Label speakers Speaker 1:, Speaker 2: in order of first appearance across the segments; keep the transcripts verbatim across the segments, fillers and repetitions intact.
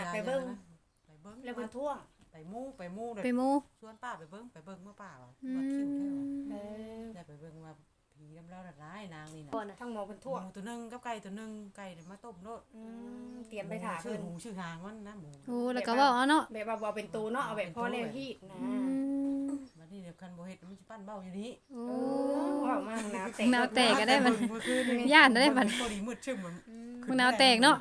Speaker 1: น่ะไปเบิ่ง
Speaker 2: ไปเบิ่ง
Speaker 1: แล้วเพิ่นท่วง
Speaker 2: ไปมู่ไปมู่เลย
Speaker 3: ไปหมู
Speaker 2: ชวนป้าไปเบิ่งไปเบิ่งเมื่อป้าว่า
Speaker 3: อื
Speaker 2: ว่าคิวแท้ว่ะ
Speaker 3: ม
Speaker 1: เออ
Speaker 2: ได้ไปเบิ่งว่าผีน้ำเล่าน่ะร้ายนางนี่น่ะ
Speaker 1: ก่อนน่ะทั้งหมอเพิ่นท่วง
Speaker 2: หมูตัวหนึงกับไก่ตัวหนึงไก่เนี่ยมาต้มโลด
Speaker 1: อืมเตรียมไปถ่า
Speaker 2: ชื่
Speaker 1: เพิ่
Speaker 2: อน หมูชื่อหางมันนะหมู
Speaker 3: โอ้แล้วก็เว้าเอาเนาะ
Speaker 1: แบบว่าบ่เป็นตูเนาะเอาแบบพ่อแนวฮีดนะ
Speaker 3: อืม
Speaker 2: บัดนี้เดี๋ยวคันบ่เฮ็ดมันสิปั้นเบ้าอยู่นี่
Speaker 3: โอ้
Speaker 1: เออว้าวมากนะแต่
Speaker 3: แนวแตกก็ได้มัน
Speaker 2: เมื่อคืนนี่
Speaker 3: ย่านได้บัด
Speaker 2: พอดีมืดชึ้มมัน
Speaker 3: มึงนาวแตกเนาะ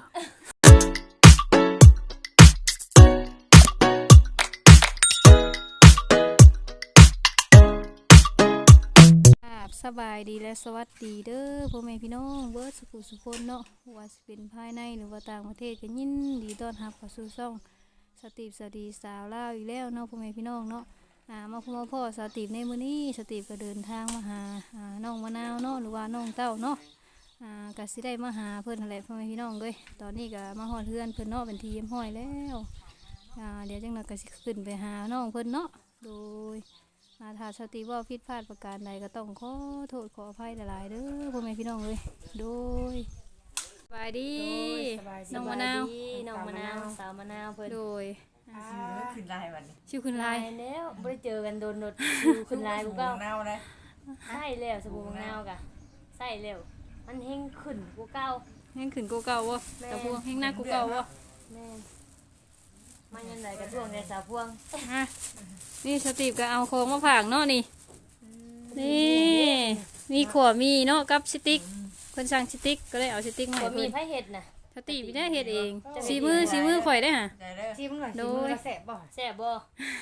Speaker 3: สบายดีและสวัสดีเด้อพ่อแม่พี่น้องเบิร์ดสุขุสุคนเนาะว่าสิเป็นภายในหรือว่าต่างประเทศก็ยินดีต้อนรับเข้าสู่ช่องสตีฟสตีสาวลาวอีกแล้วเนาะพ่อแม่พี่น้องเนาะอ่ามาพ่อมาพ่อสตีฟในมื้อนี้สตีฟก็เดินทางมาหาอ่าน้องมะนาวเนาะหรือว่าน้องเต้าเนาะอ่าก็สิได้มาหาเพิ่นนั่นแหละพ่อแม่พี่น้องเลยตอนนี้ก็มาฮอดเฮือนเพิ่นเนาะเป็นทีเยี่ยมห้อยแล้วอ่าเดี๋ยวจังนั้นก็สิขึ้นไปหาน้องเพิ่นเนาะโดยอาถ้าสติว่าผิดพลาดประการใดก็ต้องขอโทษขออภัยหลายๆเด้อพ่อแม่พี่น้องเลยโดยสบายดี
Speaker 1: สบายดี
Speaker 3: น้องมะนาว
Speaker 4: น้องมะนาวสาวมะนาวเพิ่น
Speaker 3: โดย
Speaker 2: ชื่อมันขึ้นลายวันนี้
Speaker 3: ชื่อคุณลาย
Speaker 4: ตแล้วบ่ได้เจอกันโดนโดดอยู่ขึ้นลายกูเก่า
Speaker 2: เน่าเลย
Speaker 4: ใส่แล้วสบู่มะนาวกะใส่แล้วมันเฮงขึ้นกูเก่า
Speaker 3: แห้งขึ้นกูเก่าวะ
Speaker 4: แม่
Speaker 3: แต่พวงแห้งหน้ากูเก่าวะ
Speaker 4: แม่นมันยังไดกระท่วงในสาวพวง
Speaker 3: อ่ะนี่สติปก็เอาโค้งมาผางเนาะนี่นี่มีขวมีเนาะกับสติ๊กคนสั่งสติ๊กก็เลยเอาสติ๊กมา
Speaker 4: บ่
Speaker 3: ให้
Speaker 4: มี
Speaker 3: เพิ่น
Speaker 4: ไผเฮ็ดน่ะ
Speaker 3: สติปไม่ได้เฮ็ดเองสีมือสีมือข่อยได้อฮะ
Speaker 2: ได้เด้อ
Speaker 1: ชิมหน่อย
Speaker 3: โด
Speaker 1: ชิม
Speaker 3: ย
Speaker 1: มือแสบบ่
Speaker 4: แซ่บบ่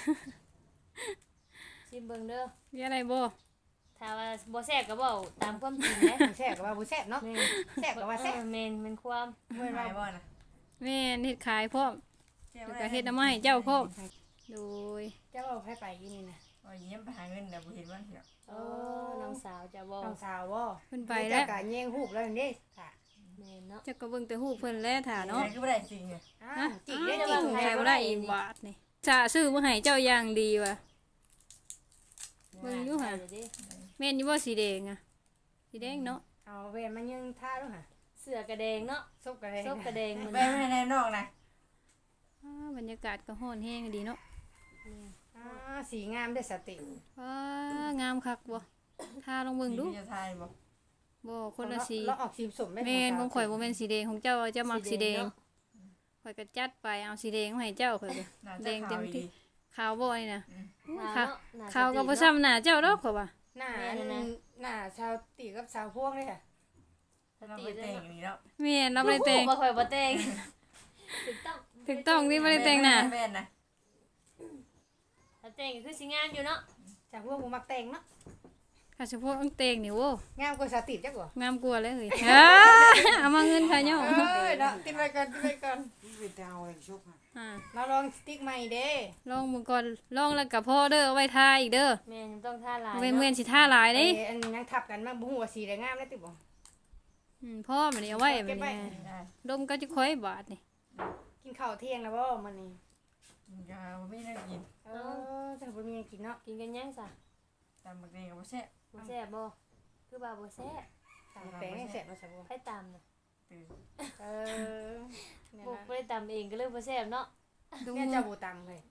Speaker 4: ชิมเบิ่งเด้อ
Speaker 3: มีอะไรบ่
Speaker 4: ถ้าว่าบ่แซ่บก็เว้าตามความจริงนะ
Speaker 1: แสบกับว่าบ่แสบเนาะ
Speaker 4: แม่น
Speaker 1: แสบกับว่าแสบ
Speaker 4: เออแม่นมันความ
Speaker 1: เมื่อ
Speaker 2: หา
Speaker 1: เรา
Speaker 2: ยบ่นะ
Speaker 3: แม่นเฮ็ดขายพร้อมแล้วก็เฮ็ดน้ำไม้เจ้าพร้อมโดย
Speaker 1: เจ้าเอาให้ไปกินนี่นะ
Speaker 2: ว่าเยี่ยมไปหาเงินเดี๋ยวบ่เห็นว่าเดี๋ยว
Speaker 4: โอ้น้องสาวจะบ่
Speaker 1: น้องสาวบ่
Speaker 3: เพิ่นไปแล้ว
Speaker 1: กะแย่งฮูบแล้วนี่ค่ะ
Speaker 4: แม่นเนาะ
Speaker 3: จะก็เบิ่งแต่ฮู้เพิ่นแล้วถ่าเนาะ
Speaker 2: ใช่ก็ไม่ได้จริงไง
Speaker 1: อ้า
Speaker 3: ฮะ
Speaker 1: วจิกได้
Speaker 3: อ้า
Speaker 1: จิ
Speaker 3: ว
Speaker 1: ก
Speaker 3: ใช้บ่ได้อีกบาทนี่จะซื้อมาให้เจ้าอย่างดีว่ะ เบิ่งอยู่ค่ะ
Speaker 4: เดี๋ยวดิ
Speaker 3: แม่นอยู่บ่สีแดงอ่ะสีแดงเนาะ
Speaker 1: เอาเวนมันยังท่าด้วยค่ะ
Speaker 4: เสื้อกระแดงเนาะ
Speaker 1: ซบกันเลย
Speaker 4: ซบกระแดงมัน
Speaker 2: ไปไม่ได้นอกนะ
Speaker 3: อ้าบรรยากาศก็ร้อนแฮงดีเนาะ
Speaker 1: อ่าสีงามได้สติ
Speaker 3: ว้างามคักบ่ทาลองเบิ่งดู
Speaker 2: จะทายบ่
Speaker 3: บ่คนละสี
Speaker 1: เราออกสีสมได้
Speaker 3: แม่นของข่อยบ่แม่นสีแดงของเจ้าเจ้ามักสีแดง
Speaker 4: เนาะ
Speaker 3: ข่อยก็จัดไปเอาสีแดงมาให้เจ้าข่อยก็
Speaker 2: น่า
Speaker 3: แด
Speaker 2: จะ
Speaker 3: ง
Speaker 2: ขา
Speaker 3: เต็
Speaker 2: ว
Speaker 3: ม
Speaker 2: ดี
Speaker 3: ที่ขาวบ่นี่นะ
Speaker 4: หนา
Speaker 3: ค่ะ
Speaker 4: เนาะหน้
Speaker 3: ขาวก็บ่
Speaker 4: สติ
Speaker 3: ซ้ำหน้าเจ้าดอกข่อยว่า
Speaker 1: หน้าหน้าชาวตีกับสาวพวงเลยค่ะ
Speaker 2: เราไปแต่งอย่างนี้แล้ว
Speaker 3: แม่นเราบ่ได้แต่ง
Speaker 4: บ่ค่อยบ่แต่งถูกต้อง
Speaker 3: ถูกต้องนี่บ่ได้แต่งหน้า
Speaker 2: แม่นนะ
Speaker 4: ถ้าแต่งก็คือสิงามอยู่เนาะ
Speaker 1: สาวพวงผมมักแต่งเนาะ
Speaker 3: ค่ะเฉพาะอังแต่งนี่โว้
Speaker 1: งามกว่าสติจักบ่
Speaker 3: งามกว่าเลยเฮ้ยอ้าเอามาเงินค่ะย่อ
Speaker 1: เอ้ยเนาะติดไว้ก่อนติดไว้ก่อน
Speaker 2: ไปแต่เอาอะไรชุบมา
Speaker 3: อ่า
Speaker 1: เราลองสติ๊กใหม่เด้
Speaker 3: ลองมึงก่อนลองแล้วกับพ่อเด้อเอาไว้ทาอีกเด้อ
Speaker 4: แม่นต้องท่าลาย
Speaker 3: เว้น
Speaker 4: เนาะ
Speaker 3: เว้นสิท่าหลาย
Speaker 1: เอ้
Speaker 3: เด้
Speaker 1: ยอันยังทับกันมาบ่ฮู้ว่าสีได้งามได้ติบ่
Speaker 3: อืมพ่อมันนี่เอาไว้
Speaker 1: เก็
Speaker 3: มัน
Speaker 1: บไว้
Speaker 3: นี่
Speaker 2: ได้
Speaker 3: ดมก็จะค่อยบาทนี่
Speaker 1: กินข้าวเที่ยงแล้วบ่มื้อนี้
Speaker 2: ยาไม่ได้กิน
Speaker 1: เออแต่บ่มีหยังกินเนาะ
Speaker 4: กินกันยังซะ
Speaker 2: ตามบักเดงกับแซ่บ
Speaker 4: บ่แซ่บบ่คือว่าบ่แซ่บ
Speaker 1: ตามแปลงให้เสร็จบ่ใช่บ่
Speaker 4: ให้ตามน่ะ
Speaker 2: ตื่น
Speaker 1: เออเนี่ย
Speaker 4: บ่
Speaker 1: นะ
Speaker 4: บ่ได้ตามเองก็เลยบ่แซ่บเนาะ
Speaker 3: ดู
Speaker 1: เนี่ยเจ้าบ่ตำเลย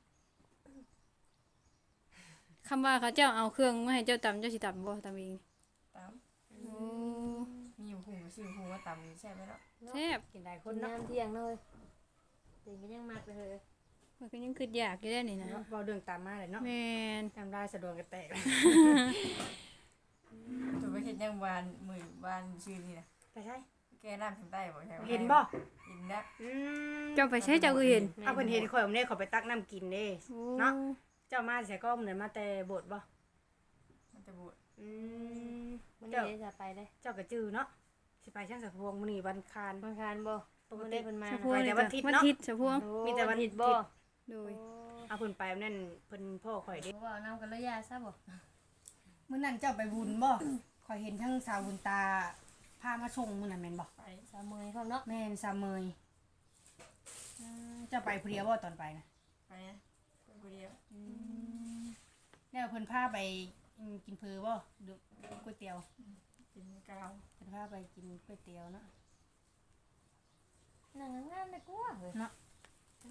Speaker 3: คำว่าเขาเจ้าเอาเครื่องมาให้เจ้าตำเจ้าสิตำบ่ตำเอง
Speaker 2: ตาม
Speaker 3: โอ้
Speaker 2: มีอยู่หูซื้อหูมาตำแซ่บไหมเนาะ
Speaker 3: แซ่บ
Speaker 1: กินได้ค
Speaker 4: คน น
Speaker 1: เนาะ
Speaker 4: น้ำเที่ยงเลยตื่นก็ยังมากเลย
Speaker 3: มันก็ยังคิดอยากอยู่ได้นี่นะ
Speaker 1: เนาะเว้าเรื่องตามมาเลยเนาะ
Speaker 3: แม่น
Speaker 1: น้ำลายสะดวกกระแตก
Speaker 2: ตัวไปเห็นยังวานมือวานชื่อนี่นะ
Speaker 1: ไปใช่
Speaker 2: แกน้ำทางใต้บ่ใช่
Speaker 1: เห็นบ่
Speaker 2: เห็นนะ
Speaker 1: อืม
Speaker 3: เจ้าไปใช้เจ้าก็เห็น
Speaker 1: เอาเพิ่นเห็นข่อยบ่ได้ขอไปตักน้ำกินเด้
Speaker 3: โอ้
Speaker 1: เนาะ เจ้ามาใส่ก็เหมือนมาแต่โบสถ์บ่
Speaker 2: มันจะบูด
Speaker 1: อืม
Speaker 4: มันนี่จะไปเลย
Speaker 1: เจ้าก็จื้อเนาะสิไปช่างสัพพวงมื้อนี้วันคาร
Speaker 4: บางคารบ่ปกติเพิ่นมา
Speaker 3: สะ
Speaker 4: นะ
Speaker 3: พวง
Speaker 1: ไปแต่
Speaker 3: นี่
Speaker 1: วั
Speaker 3: ก็
Speaker 1: นอาทิตย์
Speaker 3: วัน
Speaker 1: เนาะ
Speaker 3: อาทิตย์สะพวง
Speaker 1: มีแต่วัน
Speaker 4: ผิดบ่
Speaker 3: โดย
Speaker 1: เอาเพิ่นไปนั่นเพิ่นพ่อข่อยเด้
Speaker 4: บ่ว่าน้ำกันเลยยาซะบ่
Speaker 1: มื้อนั้นเจ้าไปบุญบ่ข่อยเห็นทั้งสาวบุญตาพามาส่งมื้อนั้นแม่นบ่
Speaker 2: ไป
Speaker 4: สามมื้อพร้อมเนาะ
Speaker 1: แม่นสามเมยอืมเจ้าไปผู้เดียวบ่ตอนไปนะ
Speaker 2: ไปนะไปคนเดียว
Speaker 1: แล้วเพิ่นพาไปอืมกินเพอบ่หรือก๋วยเตี๋ยว
Speaker 2: กินกาว
Speaker 1: เพิ่นพาไปกินก๋วยเตี๋ยวเนาะ
Speaker 4: นั่งงามๆได้กลัวเฮ้ย
Speaker 1: เนาะ
Speaker 4: บ่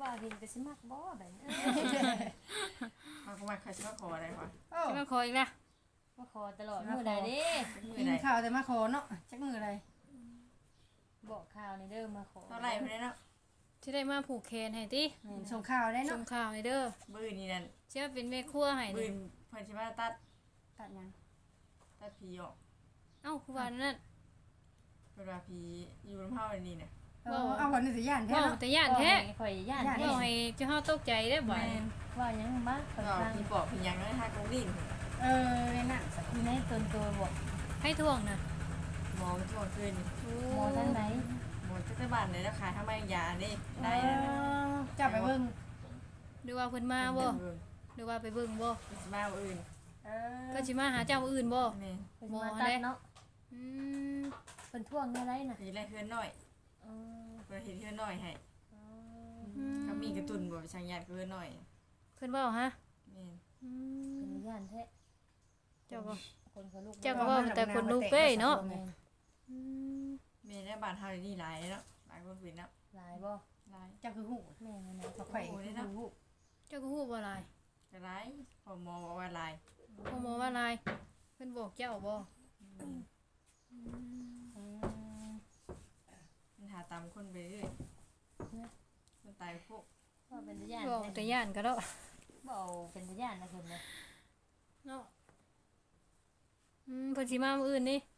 Speaker 4: ว่าเห็นก็สิมักบ่แบบนี้
Speaker 2: มาก็มาใครจะมาขออะไรวะ
Speaker 1: โอ้
Speaker 3: สิมาขออีกละ
Speaker 4: มาขอตลอดมื้อใดเด้
Speaker 2: มือ
Speaker 1: กิน
Speaker 2: ไหน
Speaker 1: ข้าวแต่มาขอเนาะจักมืออะไร
Speaker 4: บอกข่าวนี่เด้อมาขอ
Speaker 2: เท่าไหร่เพื่อนเนาะ
Speaker 3: สิได้มาผูกแขนให้ติ
Speaker 1: ส่งข่าวได้
Speaker 3: ส่
Speaker 1: เนาะ
Speaker 3: งข่าวให้เด้อ
Speaker 2: มือนี่นั่น
Speaker 3: เชื่อเป็นแม่ครัวให้
Speaker 2: มือ
Speaker 3: นี่
Speaker 2: เพื่อนชิมาตัด
Speaker 1: ตัดยัง
Speaker 2: ตัดผีออก
Speaker 3: เอ้าคือว่านั่น
Speaker 2: เวลาผีอยู่น้ำเผาอันนี้เนี่ย
Speaker 1: เออเอาคนในสิย่านแท้
Speaker 3: เว้า
Speaker 1: เนาะ
Speaker 3: แต่ย่านแท้
Speaker 4: ข่อยย่าน
Speaker 1: ย่าน
Speaker 4: แท้
Speaker 3: เว้าให้เจ้าเฮาตกใจได้บ่
Speaker 2: แม่น
Speaker 4: ว่าหยังมาข่อย
Speaker 2: ก็
Speaker 4: ฟัง
Speaker 2: ผีปอบผียังเลยฮะกงดิน
Speaker 1: เออในนั่น
Speaker 4: อยู่ในตนตัวบ่
Speaker 3: ให้ท่วงน่ะ
Speaker 2: หมอช่วงคืน
Speaker 4: หมอทางไหน
Speaker 2: หมอเจ้าบ้านเลยแล้วขายทำไมยาได้
Speaker 1: เอ
Speaker 2: ได้
Speaker 1: อเจ้าไปเบิ่ง
Speaker 3: หรือว่าเพิ่นมาบ่หรือว่าไปเบิ่งบ่
Speaker 2: มาอื่น
Speaker 1: เออ
Speaker 3: ก็สิมาหาเจ้ามื้ออื่นบ่
Speaker 2: นี่
Speaker 4: เพิ่นมาตัดเนาะ
Speaker 3: อืม
Speaker 4: เพิ่นท่วงในไรน่ะ
Speaker 2: ผีไรเพื่อนน้อย
Speaker 4: เออ
Speaker 2: เพื่อนเห็นเพื่อนน้อยให้
Speaker 4: เออ
Speaker 3: อืม
Speaker 2: ก็มีกระตุนบ่ช่างยาเพื่อนน้อย
Speaker 3: เพิ่นเว้าฮะ
Speaker 2: นี่
Speaker 3: อื
Speaker 4: เป็
Speaker 3: ม
Speaker 4: นย่านแท้
Speaker 3: เจ้าก็
Speaker 4: คนเขาลูก
Speaker 3: เจ้าก็เว้าแต่คนลุกเด้เนาะ
Speaker 4: แม่น
Speaker 3: อืม
Speaker 2: เมย์ได้บ้านเฮานี่หลายเนาะหลายคนเป็นเนาะ
Speaker 4: หลายบ่
Speaker 2: หลาย
Speaker 1: เจ้าคือหู
Speaker 4: แม่นนะ
Speaker 1: มาไข่คือหู
Speaker 3: เจ้าก็ฮู้บ่หลาย
Speaker 2: จะหลายพอหมอบอกว่าหลาย
Speaker 3: พ่อหมอว่าหลายเพิ่นบอกเจ้าบ่
Speaker 2: มันหาตามคนไปเรื่อยคนตายพวก
Speaker 4: ว่าเป็นย่าน
Speaker 3: บอกแต่ย่านก็ดอก
Speaker 4: บ่เอาเป็นย่านนะเพิ่นเลย
Speaker 3: เนาะอืมเพิ่นสิมามื้ออื่นนี่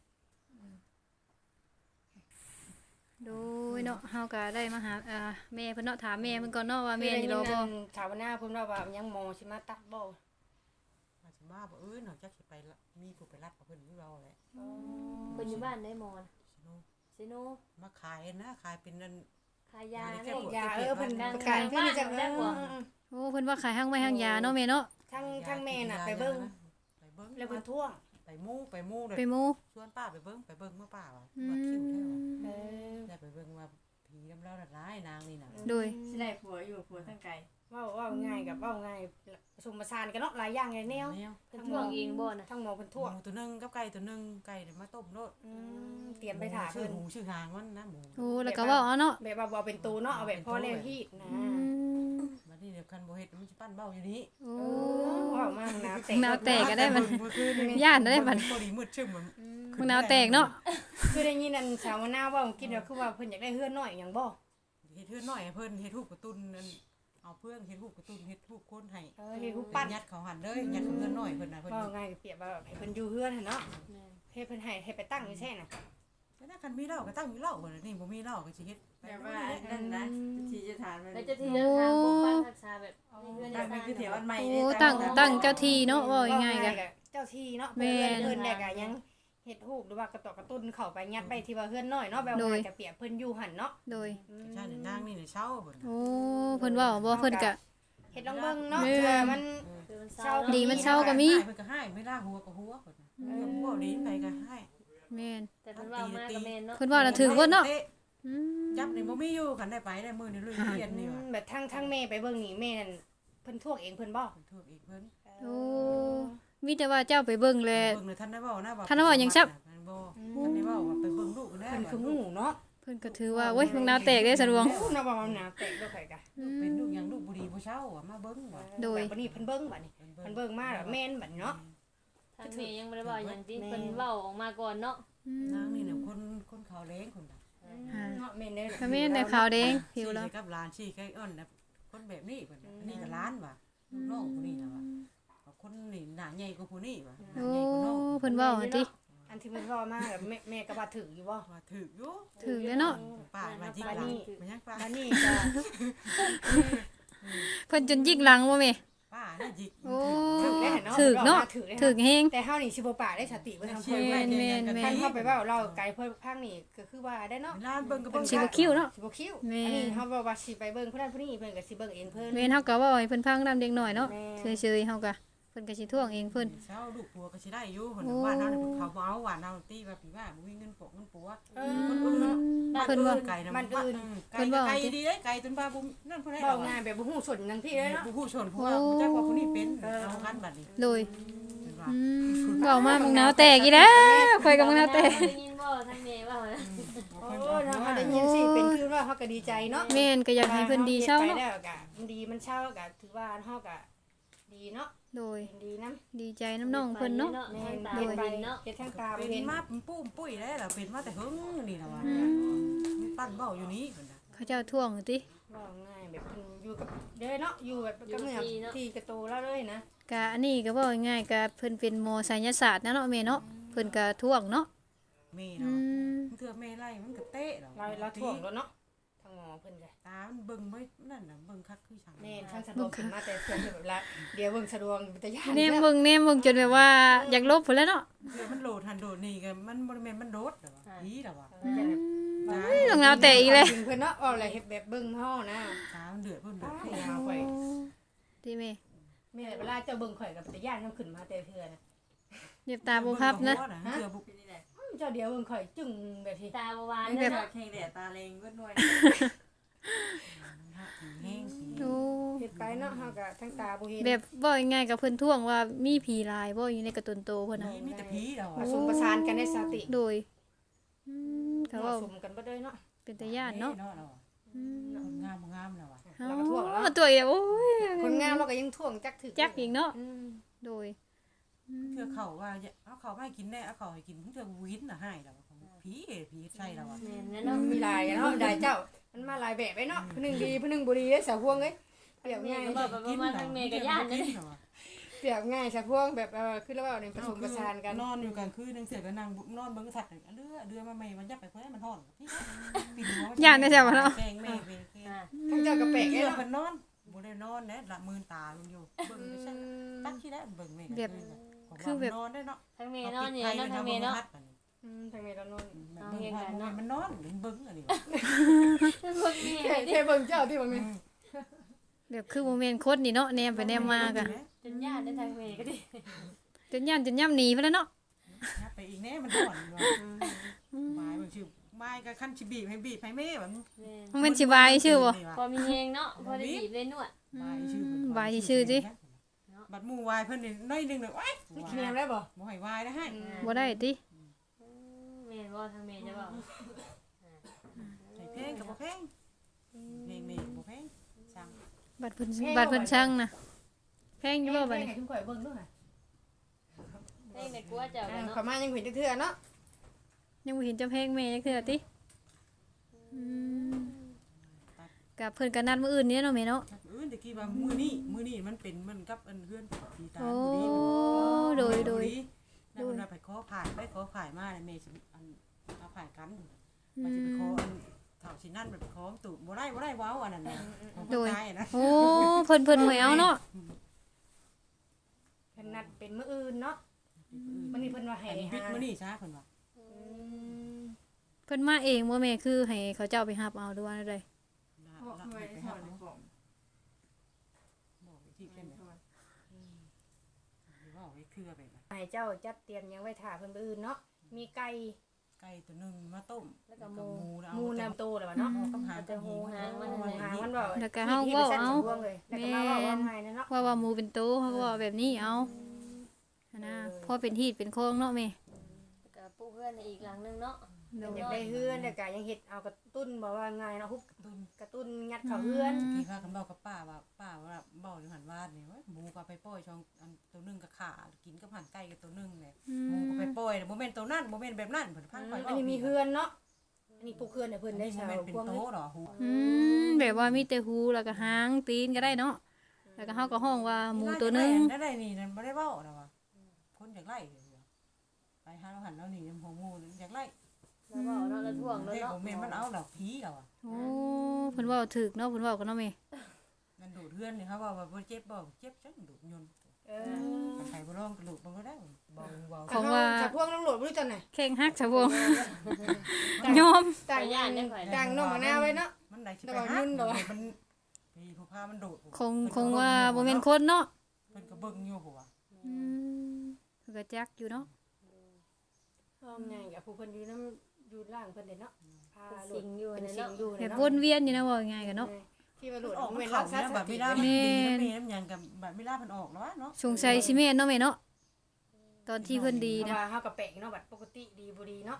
Speaker 3: โดยเนาะเฮาก็ได้มาหาอ่าแม่เพิ่นเนาะถามแม่เพิ่นก่อนเนาะว่าแม่นี่รอบ่
Speaker 1: ชาวนาเพิ่นว่าว่ายังหมอสิมาตัดบ่
Speaker 5: มาสิมาบ่เอ้ยนอกจากสิไปละมีผู้ไปรัดกับเพิ่นอยู่เราแหละ
Speaker 4: เพิ่นอยู่บ้านได้หมอน
Speaker 5: สิโน
Speaker 4: ซิโน
Speaker 5: มาขายนะขายเป็นนั่น
Speaker 4: ขายยา
Speaker 5: ได้
Speaker 4: ได้
Speaker 5: แค่
Speaker 1: ยาเออเพิ่น
Speaker 4: กลาง
Speaker 1: ประกาศเพิ่นจะ
Speaker 4: บ้าน
Speaker 1: เอ
Speaker 4: บ่
Speaker 1: อ
Speaker 3: โอ้เพิ่นว่าขายห้างไว้ห้างยาเนาะแม่เนาะ
Speaker 1: ทั้งทั้งแม่น่ะไปเบิ่ง
Speaker 5: ไปเบิ่ง
Speaker 1: แล้วเพิ่นท่วง
Speaker 5: ไปมู่ไปมู่เลย
Speaker 3: ไปหมู่
Speaker 5: ชวนป้าไปเบิ่งไปเบิ่งเมื่อป้าว่า
Speaker 3: อื
Speaker 5: ว่าคิวแท้ว่ะ
Speaker 1: เออ
Speaker 5: ได้ไปเบิ่งว่าผีน้ำเล่าดัดร้ายนางนี่น่ะ
Speaker 3: โดย
Speaker 2: สิได้ผัวอยู่ผัวทั้งไกล
Speaker 1: เว้าเว้าง่ายกับเว้าง่ายผสมผสานกันเนาะหลายอย่างหลายแนว
Speaker 5: แนว
Speaker 4: เพิ่นท่วงเองบ่น่ะ
Speaker 1: ทั้งหมอเพิ่น
Speaker 5: ห
Speaker 1: ท่วง
Speaker 5: มูตัวหนึงกับไก่ตัวหนึงไก่เดี๋ยวมาต้มโลด
Speaker 1: อืมเตรียมไปถา
Speaker 5: ชื่
Speaker 1: เพิ่
Speaker 5: อน หมูชื่อหางมันนะหมู
Speaker 3: โอ้แล้วก็เว้าเอาเนาะ
Speaker 1: แบบว่าบ่เอาเป็นตูเนาะเอาแบบพอแล้วฮีดนะ
Speaker 3: อืม
Speaker 5: บัดนี้เดี๋ยวคันบ่เฮ็ดมันสิปั้นเบ้าอยู่นี้
Speaker 3: โอ้
Speaker 1: เออเว้ามากนะแต่
Speaker 3: แนวแตกก็ได้มัน
Speaker 5: เมื่อคืนนี่
Speaker 3: ย่านได้บัด
Speaker 5: พอดีมืดชึ้มมัน
Speaker 3: มึงนาวแตกเนาะ
Speaker 1: คือได้ยินอันสาวนาเว้ากินว่าคือว่าเพิ่นอยากได้เฮือนน้อยหยังบ่
Speaker 5: เฮ็ดเทื่อน้อยให้เพิ่นเฮ็ดรูปการ์ตูนนั่นเอาเพื่อนเฮ็ดรูปการ์ตูนเฮ็ดรูปคนให้
Speaker 1: เออเฮ็ดรูปปั้น
Speaker 5: ยัดเขาหันเด้อยัดเขาเพื่อนน้อยเพิ่นน่ะเพิ่น
Speaker 1: เว้าง่ายเปรียบว่าให้เพิ่นอยู่เฮือนหั่นเนาะ
Speaker 4: แม่น
Speaker 1: เฮ็ดเพิ่นให้ให้ไปตั้งอยู่แท้น่ะ
Speaker 5: แต่ถ้าคันมีเหล้าก็ตั้งอยู่เหล้าเพิ่นน่ะนี่บ่มีเหล้าก็สิเฮ็ดไป
Speaker 2: แบบ
Speaker 5: ว่า
Speaker 2: ว่านั่นนะทีจะทานมัน
Speaker 4: แล้วเจะที่เดินทางปกปักรักษาแบบในเฮือน
Speaker 2: ตั้งเป็นคือแถวอันใหม่
Speaker 3: โอ้ตั้งตั้งเจ้าที่เนาะเว้าง่ายๆ
Speaker 1: เว้
Speaker 3: กัน
Speaker 1: เจ้าที่เนาะ
Speaker 3: แม่
Speaker 1: เพิ่นเพิ่นได้ก็ยังเฮ็ดรูปหรือว่ากระตอกกระตุ้นเข้าไปยัดไปที่ว่าเฮือนน้อยเนาะแบบว่าจะเปรียบเพิ่นอยู่หั่นเนาะ
Speaker 3: โดย
Speaker 1: อืม
Speaker 5: ใช่นี่นางนี่น่ะเช้าเพิ่นน่ะ
Speaker 3: โอ้เพิ่นเว้าบ่เพิ่นก็
Speaker 1: เฮ็ดลองเบิ่งเนาะ
Speaker 3: แม่
Speaker 1: เผื่อมัน
Speaker 4: คือมันเศร้า
Speaker 1: ดี
Speaker 3: ดีมันเศร้าก็มี
Speaker 5: เพิ่นก็ให้ไม่ล่าหัวก็หัวเพิ่นน่ะเออหัวดีไปก็ให้
Speaker 3: แม่น
Speaker 4: แต่เพิ่นเว้ามากกับแม่นเนาะ
Speaker 3: เพิ่นเว้าน่ะถือว่าเนาะ
Speaker 5: ต
Speaker 3: อืม
Speaker 5: จับนี่บ่มีอยู่คันได้ไปได้มื้อนี้ลุยเรียนนี่ว่ะ
Speaker 1: แบบทั้งทั้งแม่ไปเบิ่งนี่แม่นั่นเพิ่นท่วงเองเพิ่นบ่
Speaker 5: เพิ่นถูกอีกเพิ่น
Speaker 3: โอ้มีแต่ว่าเจ้าไปเบิ่งแล
Speaker 5: เบิ่งเลยท่านได้เว้านะว่า
Speaker 3: ท่านได้เว้าหยังซับ
Speaker 5: ท่านบ่ท่านได้เว้าว่าไปเบิ่งลูกนะ
Speaker 1: เพิ่นคือหูเนาะ
Speaker 3: เพิ่นก็ถือว่าโอ้ยมึงนาวแตกเด้สะดวง
Speaker 1: หูเนาะว่ามันหนาแตกด้วยไผกะ
Speaker 5: เป็นลูกหยังลูกบ่ดีบ่เช้าอ่ะมาเบิ่งว่ะ
Speaker 3: โดย
Speaker 1: แบบนี้เพิ่นเบิ่งบัดนี้เพิ่นเบิ่งมาแล้วแม่นบัดเนาะ
Speaker 4: ทางแม่ยังบ่ได้เว้าหยังติ
Speaker 1: แม่
Speaker 4: เพิ่นเว้าออกมาก่อนเนาะ
Speaker 5: นางนี่น่ะคนคนขาวแรงคนน่ะ
Speaker 1: เนาะแม่นเด้อ
Speaker 3: ก็แม่นได้ขาวแดงผิวแล้ว
Speaker 5: ชี้กับหลานชี้ใกล้อ้อนนะคนแบบนี้เพิ่นน่ะอันนี้ก็หล้านว่ะลูกน้องผู้นี้น่ะว่ะว่าคนนี่หน้าใหญ่กว่าผู้นี้ว่ะหน้า
Speaker 3: โอ้
Speaker 5: ใหญ่กว่าน้อง
Speaker 3: เพิ่นเว้าหั่นติ
Speaker 1: อันที่เพิ่นเว้ามาแบบแม่แม่ก็ว่าถึกอยู่บ่
Speaker 5: ว่าถูกอยู่
Speaker 3: ถือแล้วเนาะ
Speaker 5: ป้ามาจิกหลานมันยังป้า
Speaker 1: บัดนี้ก็
Speaker 3: เพิ่นจนยิกหลังบ่แม่
Speaker 5: ป้าน่ะจิก
Speaker 3: โอ้
Speaker 1: ถึกได้เนาะ
Speaker 3: ถือเนาะ
Speaker 1: ถึกได้
Speaker 3: ถือแฮง
Speaker 1: แต่เฮานี่สิบ่ปากได้สติเพิ่นทำ
Speaker 5: เชี
Speaker 1: เพิ่
Speaker 5: ย
Speaker 1: น
Speaker 5: ง
Speaker 1: ไว้
Speaker 5: แม่นแม่น
Speaker 1: ท่านเข้าไปเว้าเราไกลเพิ่นพังนี่ก็คือว่าได้เนาะ
Speaker 5: หลานเบิ่งก็เป็น
Speaker 3: สิบ่คิ้วเนาะ
Speaker 1: สิบ่คิ้ว
Speaker 3: แม่
Speaker 1: อันนี้เฮาบอกว่าสิไปเบิ่งผู้นั้นผู้นี้เพิ่นก็สิเบิ่งเองเพิ่น
Speaker 3: แม่นเฮาก็เว้าให้เพิ่นฟังนำเด็กน้อยเนาะ
Speaker 1: แม่
Speaker 3: เฉยๆเฮาก็เพิ่นก็สิท่วงเองเพิ่น
Speaker 5: เช้าลูกผัวก็สิได้อยู่เพิ่น
Speaker 3: โอ้
Speaker 5: ว่าเฮานี่เขาบ่เอาว่าเฮาตีว่าพี่ว่าบ่มีเงินปกเงินปัว
Speaker 1: เอ
Speaker 5: คนอื่น
Speaker 1: อ
Speaker 5: เนาะ
Speaker 3: เพิ่นว่า
Speaker 5: ไก่นะ
Speaker 1: บ้านอื่น
Speaker 5: ไก่ไก่ดีเด้ไก่จนบ้าบุ้มนั่นเพิ่นให้
Speaker 1: เว้างานแบบบ่ฮู้สนจังพี่เลยเนาะ
Speaker 5: ผู้ผู้ชนผู้ว่าผู้จักว่าผู้นี้เป็นเอากันบัดนี้
Speaker 3: โดย
Speaker 5: เพิ่นว่า
Speaker 3: อืมเว้ามามึงนาวแตกอีแล้วข่อยก็มึงนาวแตก
Speaker 4: ได้ยินบ่ทางแม่เว้านะ
Speaker 5: เพิ่น
Speaker 1: ยเนาะเฮาได้ยินสิเป็นคือว่าเฮาก็ดีใจเนาะ
Speaker 3: แม่นก็อยากให้เพิ่นดีเช้า
Speaker 1: ไป
Speaker 3: เนาะ
Speaker 1: แล้วก็มันดีมันเช้าก็ถือว่าเฮาก็ดีเนาะ
Speaker 3: โดย
Speaker 1: ดีนำ
Speaker 3: ดีใจน้ำน้องเพิ่นเนาะ
Speaker 1: แม่
Speaker 4: ให้
Speaker 1: น
Speaker 4: ตา
Speaker 1: เฮ็ด
Speaker 4: บ่
Speaker 1: ไป
Speaker 4: ดินเนาะ
Speaker 1: เฮ็ดทางตา
Speaker 5: เป็
Speaker 1: บ่
Speaker 5: น
Speaker 1: เห็น
Speaker 5: มาปุ้มปุ้ยแล้วล่ะเป็นมาแต่หึงนี่ล่ะว่า
Speaker 3: อืม
Speaker 5: มันปั้นเบ้าอยู่นี้เพิ่นน่ะ
Speaker 3: เขาเจ้าท่วงติ
Speaker 1: ว่าง่ายแบบเพิ่นอยู่กับเด้อเนาะอยู่แบบกับเนื้อที่กระโตแล้วเลยนะ
Speaker 3: กะอันนี้ก็เว้าง่ายๆก็เพิ่นเป็นหมอไสยศาสตร์นะเนาะแม่เนาะเพิ่นก็ท่วงเนาะ
Speaker 5: แม่
Speaker 3: อื
Speaker 5: เนาะ
Speaker 3: ม
Speaker 5: มันเถื่อแม่ไล่มันก็เตะแล้ว
Speaker 1: เราเราถ่วงแล้วเนาะทางหมอเพิ่นก็
Speaker 5: ตามันเบิ่งไว้นั่นน่ะเบิ่งคักคือช่าง
Speaker 1: แม่นทางสะดวกขึ้นมาแต่เพิ่นแบบละเดี๋ยวเบิ่งสะดวกเป็นตาย่าน
Speaker 3: แนมเบิ่งแนมเบิ่งจนแบบว่าอยากลบพุ่นแล้วเนาะ
Speaker 5: เถื่อมันโหลดหันโดดนี่ก็มันบ่ได้แม่นมันโดดแล้วว่าอีแล้วว่า
Speaker 3: อืม
Speaker 5: ตา
Speaker 3: ลงเอาแต่อีกเลย
Speaker 1: จริงเพิ่นเนาะเอาอะไรเฮ็ดแบบเบิ่งเฮานะ
Speaker 5: ตามันเดือดเพิ่นเดือด
Speaker 1: โอ้ยาวไป
Speaker 3: ดีแม่
Speaker 1: แม่เวลาเจ้าเบิ่งข่อยกับตาย่านเฮาขึ้นมาแต่เทื่อนะ
Speaker 3: เรียบตาบ่ครับนะ
Speaker 5: เถื่อบุก
Speaker 2: นี่แหละ
Speaker 1: อื้อเจ้าเดี๋ยวเบิ่งข่อยจึงแบบที่
Speaker 4: ตาบ่หวาน
Speaker 2: แบ
Speaker 4: เนาะ
Speaker 2: บแข่งแดดตาเลงก็หน่วย
Speaker 5: แห้งสี
Speaker 3: โอ้
Speaker 1: เฮ็ดไปเนาะเฮาก็ทั้งตาบ่เห็น
Speaker 3: แบบบ่ง่ายๆกับเพิ่นท่วงว่ามีผีลายบ่อยู่ในการ์ตูนโตเพิ่นน่ะ
Speaker 5: มีแต่ผีแล้ว
Speaker 1: ผ
Speaker 5: อ่ะ
Speaker 1: สมประสานกันในสติ
Speaker 3: โดยอืมเขา
Speaker 1: ผ
Speaker 3: เว้า
Speaker 1: สมกันบ่ได้เนาะ
Speaker 3: เป็นตาย่านเนาะ
Speaker 5: เราอ่ะ
Speaker 3: อืม
Speaker 5: คนงามบ่งามแล้วอ่ะ
Speaker 1: เราก็ท่วงแล้ว
Speaker 3: มาตัวเดียวโอ้ย
Speaker 1: คนงามเราก็ยังท่วงจักถึก
Speaker 3: จักอีกเนาะ
Speaker 1: อืม
Speaker 3: โดยอืม
Speaker 5: เถื่อเขาว่าเอาเขาไม่กินแน่เอาเขาให้กินเถื่อวินน่ะให้แล้วผีผีใช่แล้วอ่ะ
Speaker 4: แม่นแน่
Speaker 1: เนาะ
Speaker 4: เนาะ
Speaker 1: มีหลายกันเนาะได้เจ้า มันมาหลายแบบไว้เนาะผู้หนึงดีผู้หนึงบ่ดีเด้อสาวพวงเอ้ยเปรียบง่าย
Speaker 4: ก็บอกว่ามาทางเมก็ย่านเด้
Speaker 1: เปรียบง่ายสาวพวงแบบเออคือแล้วว่านี่ผสมประสานกัน
Speaker 5: นอนอยู่กลางคืนนึงเสียก็นั่งนอนเบิ่งสัตว์เลือเดือมาใหม่มันยับไปเพิ่นมันฮ้อนปิ่นหัว
Speaker 3: ย่านได้ใช่บ่เนาะ
Speaker 5: แกงแม่เป็น
Speaker 4: อ่า
Speaker 1: ทั้งเจ้าก็แปลก
Speaker 5: เลือ
Speaker 1: เนาะ
Speaker 5: เพิ่นนอนบ่ได้นอนแน่ละมือตาลงอยู่เบิ่งไปซั่นตักที่แล้วเบิ่งแม่คือแบบนอนได้เนาะ
Speaker 4: ทางเมเนาะเนี่ยเนาะทางเมเนาะ
Speaker 1: อืมทางนี้เรานอน
Speaker 5: เบิ่งมันนอนเบิ่งอันนี้
Speaker 4: พวกนี้
Speaker 1: แค่แค่เบิ่งเจ้าที่บ่แม่น
Speaker 3: แบบคือบ่แม่นคนนี่เนาะแนมไปแนมมากะ
Speaker 4: จนย่านได้ทางเมก็ดิ
Speaker 3: จนย่านจนย่ำหนีไปแล้วเนาะ
Speaker 5: ไปอีกแน่มันห่อนอยู่ไม้มันชื่อไม้ก็คันสิบีบให้บีบให้แม่แบบ
Speaker 4: แม่น
Speaker 3: มันสิบายชื่อบ่
Speaker 4: พอมีเฮงเนาะพอได้บีบได้นวด
Speaker 5: บายชื่อ
Speaker 3: ใบชื่อสิ
Speaker 5: บัดหมู่วายเพิ่นนี่น้อยนึงเลยว้าย
Speaker 1: แนมได้บ่
Speaker 5: บ่ให้วายได้ให้
Speaker 3: บ่ได้ติ
Speaker 4: แม่นบ่ทางเมจะบอก
Speaker 5: ใส่เพลงกับบ่เพลงเพลงแม่บ่เพลงสั่ง
Speaker 3: บัดเพิ่นบัดเพิ่นช่างน่ะแพงอยู่บ่บัดนี้
Speaker 1: ให้ทุกข่อยเบิ่งด้วย
Speaker 4: เด้งแต่กลัวเจ้า
Speaker 1: อ่า
Speaker 4: กันเนาะ
Speaker 1: ขอมายังเห็นจักเทื่อเนาะ
Speaker 3: ยังบ่เห็นเจ้าแพงแม่จักเทื่อติอืมกับเพิ่นก็นัดมื้ออื่นนี่เนาะแม่เนาะ
Speaker 5: เออตะกี้ว่ามื้อนี้มื้อนี้มันเป็นมันกับอันเฮือนผีตา
Speaker 3: โอ้
Speaker 5: บุรี
Speaker 3: โดยโดย
Speaker 5: แล้วมันไปขอผ่านไปขอผ่านมาแม่สิอันเอาผ่านกันมันสิไปขออันเฒ่าสินั่นไปขอตู่บ่ได้บ่ได้ว้าวอันนั้นน่ะของคนตายนะ
Speaker 3: โอ้เพิ่นเพิ่นบ่เอาเนาะ
Speaker 1: เพิ่นนัดเป็นมื้ออื่นเนาะมื้อนี้เพิ่นว่าให้
Speaker 5: อันนี้
Speaker 1: หา
Speaker 5: บิ๊กมื้อนี้ซะเพิ่นว่า
Speaker 1: อืม
Speaker 3: เพิ่นมาเองบ่แม่คือให้เขาเจ้าไปรับเอาหรือว่าได
Speaker 2: บอกหน่วยถอดในกล่อง
Speaker 5: บอกที่เป็นแบบว่าไว้คือแบบ
Speaker 1: ให้เจ้าจัดเตรียมหยังไว้ท่าเพิ่นมื้ออื่นเนาะมีไก่
Speaker 5: ไก่ตัวนึงมาต้ม
Speaker 4: แล้วก็หมู
Speaker 5: แล้ว
Speaker 1: หมูน้ำโตแล้ววะเนาะ
Speaker 5: ต้องหา
Speaker 4: จะหูหางมัน
Speaker 1: หางมันบ่
Speaker 3: แล้วก็เฮาเว้าเอา
Speaker 1: เลยแล้วก็มาเว้าว่าไงนะเนาะ
Speaker 3: ว่าว่าหมูเป็นโตเขาก็ว่าแบบนี้เอาอันนะพอเป็นฮีดเป็นโครงเนาะแม่
Speaker 4: แล้วก็ปูเพื่อนในอีกหลังนึงเนาะ
Speaker 3: โด
Speaker 1: อย ยากได้เฮือนแล้วก็ยังเฮ็ดเอากระตุ้นบ่ว่าไงเนาะฮุบ
Speaker 5: ต้น
Speaker 1: กระตุ้นงัดเข้าเฮือน
Speaker 5: ที่ว่ากันเบากับป้าว่าป้าว่าเบาอยู่หันวาดนี่ว่าหมูก็ไปป้อยช่องอันตัวนึงก็ขากินกับหันไก่กับตัวนึงเนี่ย
Speaker 3: อื
Speaker 5: หมู
Speaker 3: ม
Speaker 5: ก็ไปป้อยโมเมนต์ตัวนั้นโมเมนต์แบบนั้นเพิ่นพังไป
Speaker 1: อันนี้มีเฮือนเนาะอันนี้ปลูกเฮือนให้เพิ่นได้
Speaker 5: โม
Speaker 1: ชาว
Speaker 5: เมนต์เป็น
Speaker 1: พวก
Speaker 5: โต๊ะหรอหู
Speaker 3: อืมแบบว่ามีแต่หูแล้วก็หางตีนก็ได้เนาะแล้วก็เฮาก็ห้องว่าหมูตัวหนึง
Speaker 5: ได้ได้นี่นั่นบ่ได้เว้านะว่าคนอยากไล่ไปหาเราหันเราหนีน้ำหัวหมูอยากไล่
Speaker 4: แล้วก็เนาะแล้วท่วงแล้ว
Speaker 5: เด็ก
Speaker 4: เนาะ
Speaker 5: โมเมนต์มันเอาดอกผีเราอ่ะ
Speaker 3: โอ้เพิ่นเว้าถูกเนาะเพิ่นเว้ากันเนาะแม่
Speaker 5: มันดูดเฮือนนี่เขาว่าว่าบ่เจ็บบ่เจ็บจังดูดยนต์
Speaker 1: เออ
Speaker 5: ใครบ่ร้องกระดูกมันก็ได้บ่เว้า
Speaker 3: ของว่า
Speaker 1: ชาวพวกตำรวจบ่รู้จักไหน
Speaker 3: แข่งฮักชาวงยอม
Speaker 1: ต่างต่างน้องมะนาวไว้เนาะ
Speaker 5: มันได้สิ
Speaker 1: แต่
Speaker 5: ไป
Speaker 1: ว่า
Speaker 5: หา
Speaker 1: ยุ่นเหรอ
Speaker 5: มันมีผู้พามันโดด
Speaker 3: คงคงว่าบ่แม่นคนเนาะ
Speaker 5: เพิ่นก็เบิ่งอยู่หัว
Speaker 3: อืมเพิ่นก็จักอยู่เนาะ
Speaker 1: พร้อมไงกับผู้เพิ่นอยู่นำอยู่ล่างเพิ่นเด้เนาะพา
Speaker 4: เป็น
Speaker 1: โล
Speaker 4: สิ
Speaker 1: ด
Speaker 4: งอยู่
Speaker 1: เป็น
Speaker 4: ใน
Speaker 1: สิ่
Speaker 4: เนาะ
Speaker 1: งอยู่
Speaker 3: แบบ
Speaker 1: เนาะ
Speaker 3: วนเวียนอยู่นะว่าง่ายกันเนาะ
Speaker 1: ที่ว่าโลด
Speaker 5: ออก
Speaker 1: เว้
Speaker 5: มาน
Speaker 1: รั
Speaker 5: เข้าก
Speaker 1: ษา
Speaker 5: แล้ว
Speaker 1: ส
Speaker 5: แบบ
Speaker 1: ติ
Speaker 5: เวลามันดีนะแม่น้ำหยังกับแบบเวลาเพิ่นออกแล้วเนาะ
Speaker 3: สงสัยสิแม่นเนาะแม่เนาะตอนที่เพิ่นดี
Speaker 1: เพราะ
Speaker 3: นะ
Speaker 1: ว่าเฮาก็แปลกเนาะบัดปกติดีบ่ดีเนาะ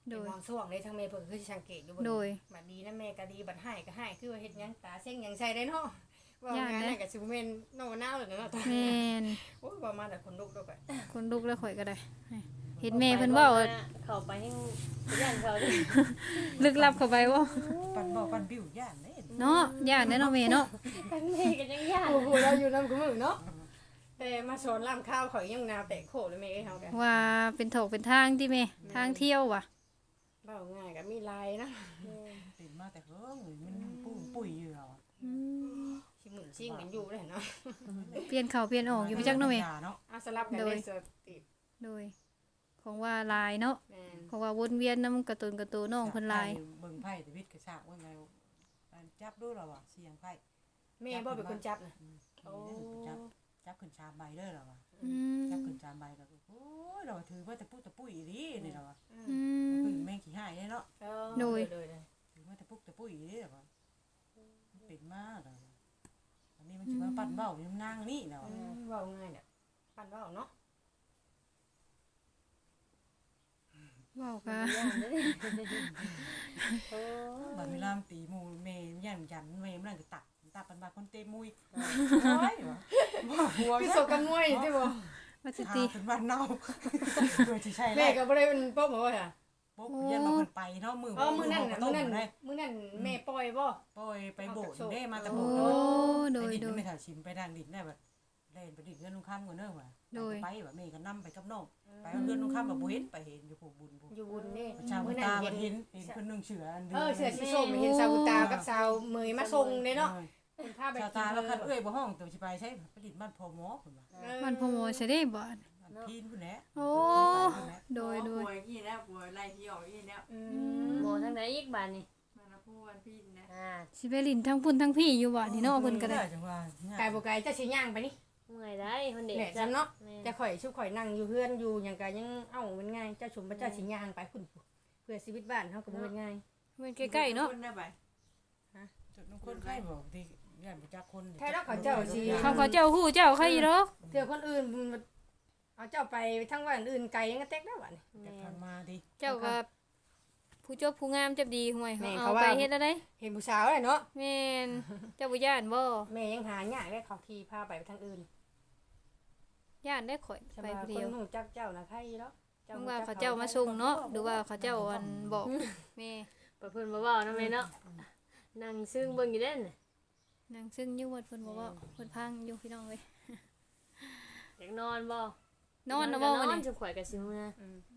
Speaker 3: โดย
Speaker 1: เป็นบางช่วงเลยทางแม่เพิ่นคือสิสังเกตอยู่เบิ่ง
Speaker 3: โดย
Speaker 1: บัดดีนะแม่ก็ดีบัดให้ก็ให้คือว่าเฮ็ดหยังตาเส้งหยังใส่ได้เนาะว่า
Speaker 3: ย่าน
Speaker 1: งาน
Speaker 3: เด้
Speaker 1: นั่นก็สิบ่แม่นนอกนาวเลยเนาะ
Speaker 3: แม่น
Speaker 1: โอ้ยว่ามาแต่คนลุกดอกอะ
Speaker 3: คนลุกแล้วข่อยก็ได้ให้เห็นแม่เพิ่นเว้า
Speaker 4: เข้าไปให้ย่านเขาดิ
Speaker 3: ลึกลับเข้าไปบ่
Speaker 5: ปั่นบ่ปั่นบิ้วย่านเด้
Speaker 3: เนาะย่านแน่เนาะแม่เนาะ
Speaker 4: ทั้งแม่ก็ยังย่าน
Speaker 1: โอ้โหเราอยู่นำกูมื้อเนาะแต่มาสอนล่ามข้าวข่อยยังนาวแตกโคเลยแม่เอ้ยเฮากัน
Speaker 3: ว่าเป็นถกเป็นทางที่แม่ทางเที่ยวว่ะ
Speaker 1: เว้าง่ายก็มีลายนะ
Speaker 5: เป็นมาแต่เฮิงมันปุ้มปุ้ยอยู่แล้ว
Speaker 3: อืม
Speaker 1: สิหมุนชิงกันอยู่เลยเนาะ
Speaker 3: เปลี่ยนเข้าเปลี่ยนออกอยู่ไปจักเนาะแม่
Speaker 5: เนาะ
Speaker 1: เอาสลับกัน
Speaker 3: โด
Speaker 1: เลย ยสติ
Speaker 3: โดยของว่าลายเนาะ
Speaker 1: แม่น
Speaker 3: ของว่าวนเวียนนำการ์ตูนการ์ตูนน้องเพิ่นลาย
Speaker 5: เบิ่งไพ่ชีวิตกระชากว่าไงจับดูแล้วอ่ะเสียงไพ่
Speaker 1: แม่บ่เป็นคนจับนะ
Speaker 5: โอ้จับจับขึ้นชามใบเด้อแล้วอ่ะ
Speaker 3: อืม
Speaker 5: จับขึ้นชามใบก็โอ้ยเราถือว่าแต่ปุ๊ตะปุ้ยดีนี่เราอ่ะ
Speaker 3: อืม
Speaker 5: คือแม่งขี้หายเนาะ
Speaker 1: เออ
Speaker 3: โดย
Speaker 1: โดยเลย
Speaker 5: ถือว่าแต่ปุ๊ตะปุ้ยดีแล้วอ่ะเป็นมากเลยอันนี้มันสิมาปั่นเบ้าอยู่นางนี่แล้ว
Speaker 1: อืมเว้าง่ายเนี่ยปั่นเว้าเนาะ
Speaker 3: เว้าก็
Speaker 4: ย่านเด้อโอ้
Speaker 5: บัดเวลาตีมูเมย์ยันยันเมย์มันก็ตักตักปันบาคนเตมุยโอ้ยวะหัว
Speaker 1: คือโซกันมวยใช่บ่
Speaker 3: ว่าสิ
Speaker 5: หา
Speaker 3: ติ
Speaker 5: เป็นวันเน่าโดยที่ใช่
Speaker 1: แม่
Speaker 5: แล้ว
Speaker 1: ก็บ่ได้เป็นป๊อบบ่ว่าค่ะ
Speaker 5: ปุ๊บยันมาคนไปเนาะมือ
Speaker 1: อ๋อมื้อนั้นน่ะ
Speaker 5: ต้
Speaker 1: มื้
Speaker 5: ม
Speaker 1: อนั้น
Speaker 5: ได้
Speaker 1: มื้อนั้นแม่ปล่อยบ่
Speaker 5: ปล่อยไปโบดได้มาแต่
Speaker 3: โอ้
Speaker 5: โบด
Speaker 3: โดย
Speaker 5: ไปดิน
Speaker 3: โดย
Speaker 5: ไม่ถ่าชิมไปทางดินได้แบบเล่นไปดินเงินนุ่งข้ามกันเนอะว่ะไปแบบเมย์ก็นั่ไปกับน้องไปเงินนุ่งข้ามแบบบุเห็นไปเห็นอยู่ผูกบุญผูก
Speaker 1: อยู่บุญนี่
Speaker 5: ชาว
Speaker 1: มื้อนั้
Speaker 5: ตาน
Speaker 1: เห็น
Speaker 5: เห็นเห็นคนนึงเฉือ
Speaker 1: เออเสือสีส้มเห็นสาวบุญตากับสาวเมยมาส่งเด้เนาะเป็นภาพแบบ
Speaker 5: ชาวตาแล้วคันเอ้ยบ่ห้องตัวสิไปใช้ไปดินบ้านพ่อหมอเพิ่นว่า
Speaker 3: มันพอโมใช่ได้บ่
Speaker 5: พีนพุ่นแหละ
Speaker 3: โอ้โดยโดย
Speaker 2: ป่วยกี่แล้วป่วยไล่ที่ออกกี่แล้ว
Speaker 1: อืม
Speaker 4: หมอทางไหนอีกบาดนี่
Speaker 2: มาละพูวันพี่นะ
Speaker 4: อ่า
Speaker 3: สิไปลินทั้งพุ่นทั้งพี่อยู่บ่นี่เนาะเพิ่นก็ได้
Speaker 5: จังว่า
Speaker 1: ไกลบ่ไกลจะสิย่างไปนี่
Speaker 4: เมื่อยได้คนเด็ก
Speaker 1: แหละจันเนาะ
Speaker 4: แม่
Speaker 1: จะข่อยชุบข่อยนั่งอยู่เฮือนอยู่หยังก็ยังเอ้ามันง่ายเจ้าชุมพระเจ้าสิย่างไปพุ่นเพื่อชีวิตบ้านเฮาก็บ่เป็นง่าย
Speaker 3: เพิ่นใกล้ๆเนาะ
Speaker 2: คนได้ไป
Speaker 5: จุดน้องคนไข้บอกที่ย่านบ่จักคน
Speaker 1: แท้แล้วเขาเจ้าสิ
Speaker 3: เขาเขาเจ้าฮู้เจ้าใครอีดอก
Speaker 1: เถื่อคนอื่นเอาเจ้าไปทั้งวันอื่นไกลยังก็เต็กได้บัดนี้
Speaker 5: แต่ผ่านมาดิ
Speaker 3: เจ้าก็ผู้จบผู้งามจับดีห่วย
Speaker 1: แม่
Speaker 3: เอา
Speaker 1: เขา
Speaker 3: ไป
Speaker 1: ว่า
Speaker 3: เฮ็ดอะไร
Speaker 1: เห็นผู้สาวเลยเนาะ
Speaker 3: แม่นเจ้าบ่ย่านบ่
Speaker 1: แม่ยังหายากได้เขาขี่พาไปทางอื่น
Speaker 3: ย่านได้ข่อย
Speaker 1: ส
Speaker 3: ไป
Speaker 1: บาย
Speaker 3: ผู้
Speaker 1: ค
Speaker 3: เดีย
Speaker 1: น
Speaker 3: ว
Speaker 1: หูจักเจ้านะใครเนาะ
Speaker 3: เพิ่นว่าเขาเจ้ามาส่งเนาะหรือว่าเขาเจ้าอันบอกแม่
Speaker 4: ไปเพิ่นบ่เว้านำแม่เนาะนั่งซึ้งเบิ่งอยู่เด้น่ะ
Speaker 3: นางซึ่งอยู่วัดเพิ่นบอกว่าเพิ่นพังอยู่พี่น้องเว้ย
Speaker 4: อยากนอนบ่
Speaker 3: นอนนะบ่มื้อ
Speaker 4: นอน
Speaker 3: นี้
Speaker 4: จะข่อยก็สิเมื่อน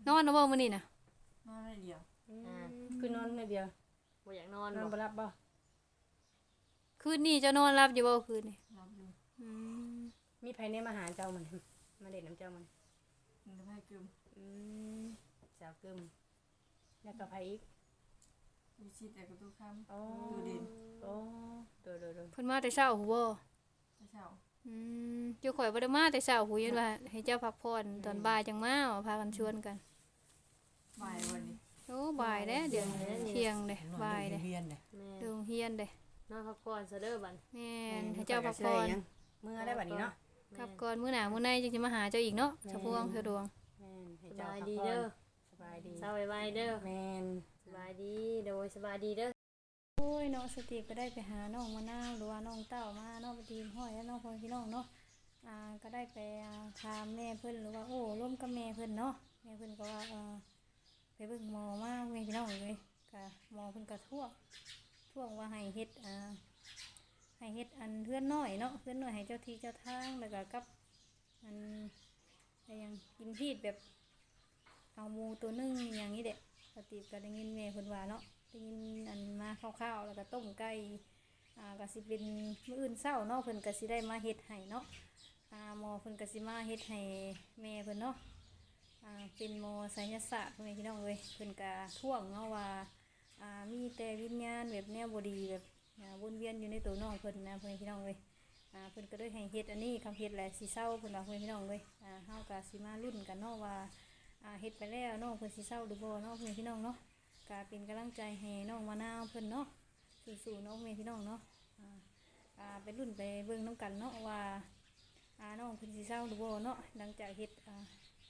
Speaker 3: อนนะบ่มื้อนี้น่ะ
Speaker 2: นอนได้เดียว
Speaker 1: คือนอนในเดียว
Speaker 4: บ่อยากนอน
Speaker 1: นอน
Speaker 4: บ่
Speaker 1: บ่รับบ่
Speaker 3: คืนนี้เจะนอนรับอยู่บ่คืนนี้
Speaker 2: รับอยู่
Speaker 3: อืม
Speaker 1: มีไผในมาหาเจ้ามันมาเด็ดน้ำเจ้ามัน
Speaker 2: มันจะให้กึม
Speaker 1: อืมสาวกึมแล้วก็ไผอีก
Speaker 2: มีชิดแต่กับตู้ค้ำ
Speaker 1: โอ้
Speaker 2: ตู้ดิน
Speaker 1: โอ้โดยโดยโดย
Speaker 3: เพิ่นมาแต่เช้าหูบ่
Speaker 2: จะเช่า
Speaker 3: อืมเจ้าข่อยบ่ได้มาแต่เช้าหูยันว่าให้เจ้าพักผ่อนตอนบ่ายจังมาว่าพากันชวนกัน
Speaker 2: บ่ายวันนี้
Speaker 3: โอ้บ่ายเด้เดี๋ยวเที่ยงเด้บ่ายเด้
Speaker 5: เรียนเด้
Speaker 4: แม่
Speaker 3: โรงเรียนเด้
Speaker 4: นอนพักผ่อนซะเด้อบัด
Speaker 3: แม่นให้เจ้าพักผ่อน
Speaker 1: เมื่อได้บัดนี้เนาะ
Speaker 3: กลับก่อนมื้อหน้ามื้อในจึงสิมาหาเจ้าอีกเนาะสะพวงสะดวง
Speaker 1: แม่นให้
Speaker 4: ส
Speaker 1: เจ้า
Speaker 4: บาย
Speaker 1: พัก
Speaker 4: ดี
Speaker 1: ผ่อน
Speaker 4: เด้อ
Speaker 1: สบายดี
Speaker 4: เช้าไวๆเด้อ
Speaker 1: แม่น
Speaker 4: สบายดีโดยสบายดีเด้อ
Speaker 3: โอ้ยน้องสติก็ได้ไปหาน้องมะนาวหรือว่าน้องเต้ามาน้องปฏิมห้อยแล้วน้องพ่อพี่น้องเนาะอ่าก็ได้ไปอ่าถามแม่เพิ่นหรือว่าโอ้ร่วมกับแม่เพิ่นเนาะแม่เพิ่นก็ว่าเออไปเบิ่งหมอมาแม่พี่น้องเลยก็หมอเพิ่นก็ทั่วทั่วว่าให้เฮ็ดอ่าให้เฮ็ดอันเพื่อนน้อยเนาะเพื่อนน้อยให้เจ้าที่เจ้าทางแล้วก็กับอันอะไรอยังกินพีดแบบเอาหมูตัวหนึงอย่างนี้เด็กสติก็ได้ยินแม่เพิ่นว่าเนาะ ได้ยินอันมาข้าวๆแล้วก็ต้มไก่อ่าก็สิเป็นมื้ออื่นเช้าเนาะเพิ่นก็สิได้มาเฮ็ดให้เนาะอ่าหมอเพิ่นก็สิมาเฮ็ดให้แม่เพิ่นเนาะอ่าเป็นหมอไสยศาสตร์พ่อแม่พี่น้องเอ้ยเพิ่นก็ท่วงเนาะว่าอ่ามีแต่วิญญาณแบบแนวบ่ดีแบบอ่าวนเวียนอยู่ในตัวน้องเพิ่นนะพ่อแม่พี่น้องเอ้ยอ่าเพิ่นก็เลยให้เฮ็ดอันนี้คำเฮ็ดแหละสิเศร้าเพิ่นว่าพ่อแม่พี่น้องเอ้ยอ่าเฮาก็สิมาลุ้นกันเนาะว่าอ่าเฮ็ดไปแล้วน้องเพิ่นสิเศร้าหรือบ่เนาะพ่อแม่พี่น้องเนาะ ก็เป็นกำลังใจให้น้องมะนาวเพิ่นเนาะสู้ๆน้องเมย์พี่น้องเนาะอ่าอ่าไปรุ่นไปเบิ่งน้ำกันเนาะว่าอ่าน้องเพิ่นสิเศร้าหรือบ่เนาะหลังจากเฮ็ดอ่า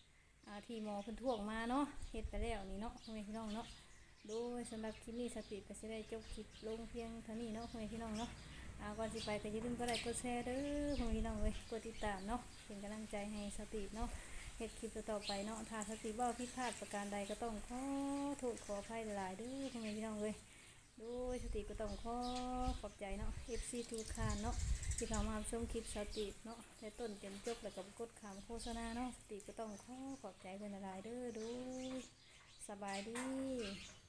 Speaker 3: อ่าที่หมอเพิ่นท่วงมาเนาะเฮ็ดไปแล้วนี่เนาะพ่อแม่พี่น้องเนาะโดยสำหรับคลิปนี้สติก็สิได้จบคลิปลงเพียงเท่านี้เนาะพ่อแม่พี่น้องเนาะอ่าก่อนสิไปก็อย่าลืมกดไลค์กดแชร์เด้อพ่อแม่พี่น้องเอ้ยกดติดตามเนาะเป็นกำลังใจให้สติเนาะเฮ็ดคลิปต่อๆไปเนาะถ้าสติเว้าผิดพลาดประการใดก็ต้องขอโทษขออภัยหลายๆเด้อพ่อแม่พี่น้องเอ้ยโดยสติก็ต้องขอขอบใจเนาะ เอฟ ซี ทุกท่านเนาะที่เข้ามาชมคลิปสติเนาะแต่ต้นจนจบแล้วก็กดคำโฆษณาเนาะสติก็ต้องขอขอบใจเพิ่นหลายๆเด้อโดยสบายดี